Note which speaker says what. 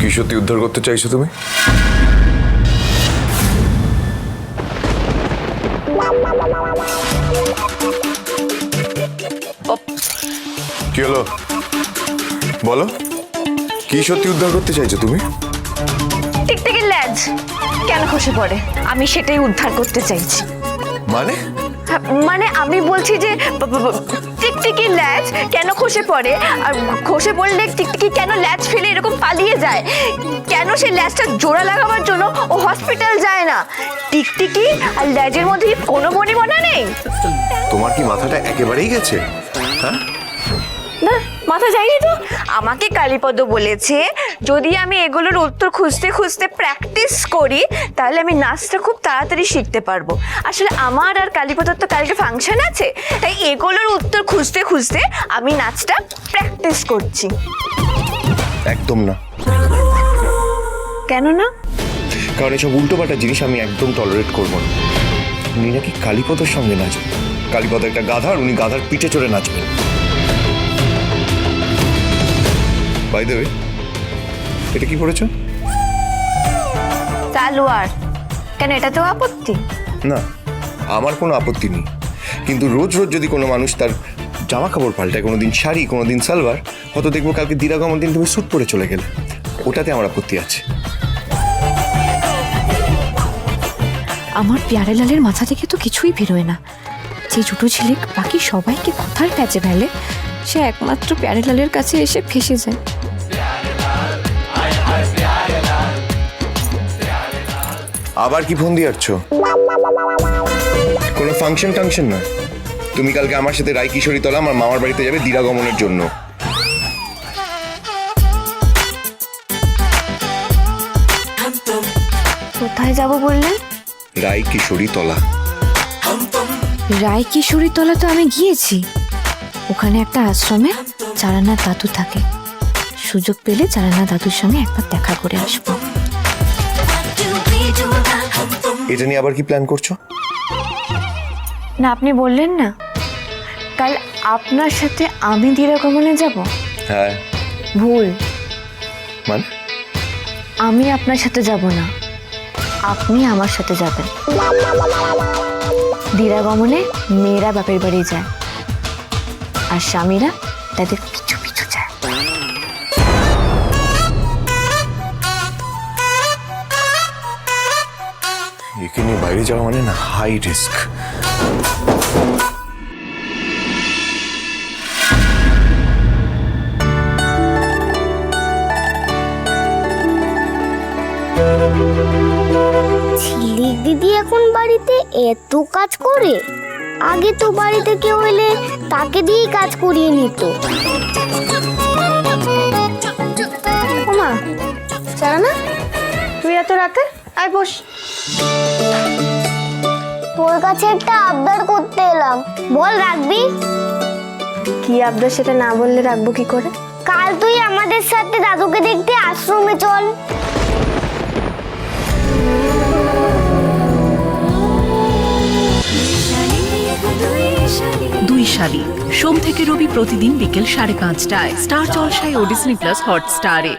Speaker 1: কি সত্যি উদ্ধার করতে চাইছো তুমি? কি হলো বলো, কি সত্যি উদ্ধার করতে চাইছো তুমি?
Speaker 2: টিকটিকির ল্যাজ কেন খসে পড়ে, আমি সেটাই উদ্ধার করতে চাইছি।
Speaker 1: মানে?
Speaker 2: মানে আমি বলছি যে টিকটিকির ল্যাজ কেন খসে পড়ে, আর খসে পড়লে টিকটিকি কেন ল্যাজ ফেলে এরকম পালিয়ে যায়, কেন সেই ল্যাজটা জোড়া লাগাবার জন্য ও হসপিটাল যায় না। টিকটিকি আর ল্যাজের মধ্যে কি কোনো বনিবনা নেই?
Speaker 1: তোমার কি মাথাটা একেবারেই গেছে? হ্যাঁ,
Speaker 2: না মাথা যায়নি তো। আমাকে কালীপদ বলেছে যদি আমি এগুলোর উত্তর খুঁজতে খুঁজতে প্র্যাকটিস করি তাহলে আমি নাচটা খুব তাড়াতাড়ি শিখতে পারবো। আসলে আমার আর কালীপদর তো কালকে ফাংশন আছে, তাই এগুলোর উত্তর খুঁজতে খুঁজতে আমি নাচটা প্র্যাকটিস করছি।
Speaker 1: একদম না।
Speaker 2: কেন না?
Speaker 1: কারণ এসব উল্টোপাল্টা জিনিস আমি একদম টলারেট করবো না। উনি নাকি কালীপদের সঙ্গে নাচবেন। কালীপদ একটা গাধা, আর উনি গাধার পিঠে চড়ে নাচবেন। বাই দ্য ওয়ে, এটা কি পড়েছো?
Speaker 2: সালোয়ার। কেন, এটাতেও আপত্তি?
Speaker 1: না, আমার কোনো আপত্তি নেই, কিন্তু রোজ রোজ যদি কোনো মানুষ তার জামা কাপড় পাল্টায়, কোনোদিন শাড়ি কোনোদিন সালোয়ার, হয়তো দেখবো কালকে দিরাগমন দিন তুমি স্যুট পরে চলে গেলে, ওটাতে আমার আপত্তি আছে।
Speaker 3: আমার প্যারেলালের মাথা থেকে তো কিছুই বেরোয় না। যে ছোট ছেলে বাকি সবাইকে কথার প্যাচে ফেলে, সে একমাত্র প্যারেলালের কাছে এসে ফেসে যায়।
Speaker 1: আবার কি ফোন দিয়ে আসছো? কোনো ফাংশন টাংশন নয়। তুমি কালকে আমার সাথে রায়কিশোরী তলা আমার মামার বাড়িতে যাবে দিরাগমনের জন্য।
Speaker 2: কোথায় যাব বললেন?
Speaker 1: রায়কিশোরী তলা।
Speaker 3: রায়কিশোরী তলা তো আমি গিয়েছি। ওখানে একটা আশ্রমে চারানার দাদু থাকে। সুযোগ পেলে চারানার দাদুর সঙ্গে একবার দেখা করে আসবো।
Speaker 1: এটা নিয়ে আবার কি প্ল্যান করছো?
Speaker 2: না আপনি বললেন না কাল আপনার সাথে আমি দিরাগমনে যাব।
Speaker 1: হ্যাঁ।
Speaker 2: ভুল।
Speaker 1: মানে?
Speaker 2: আমি আপনার সাথে যাব না, আপনি আমার সাথে যাবেন। দিরাগমনে মেয়েরা বাপের বাড়ি যায় আর স্বামীরা তাদের পিছু পিছু যায়।
Speaker 1: একে নিয়ে বাইরে যাওয়া মানে না হাই রিস্ক।
Speaker 4: ঝিলিক দিদি এখন বাড়িতে এত কাজ করে, আগে তো বাড়িতে কেউ এলে তাকে দিয়েই কাজ করিয়ে নিত।
Speaker 2: ওমা চারানা, তুই এত রাতে আয় বস।
Speaker 4: তোর কাছে একটা আবদার করতে এলাম, বল রাখবি?
Speaker 2: কি আবদার সেটা না বললে রাখবো কি করে?
Speaker 4: কাল তুই আমাদের সাথে দাদুকে দেখতে আশ্রমে চল।
Speaker 5: দুই শালি সোম থেকে রবি প্রতিদিন বিকেল 5:30টায় স্টার জলসায় ও ডিজনি প্লাস হটস্টারে।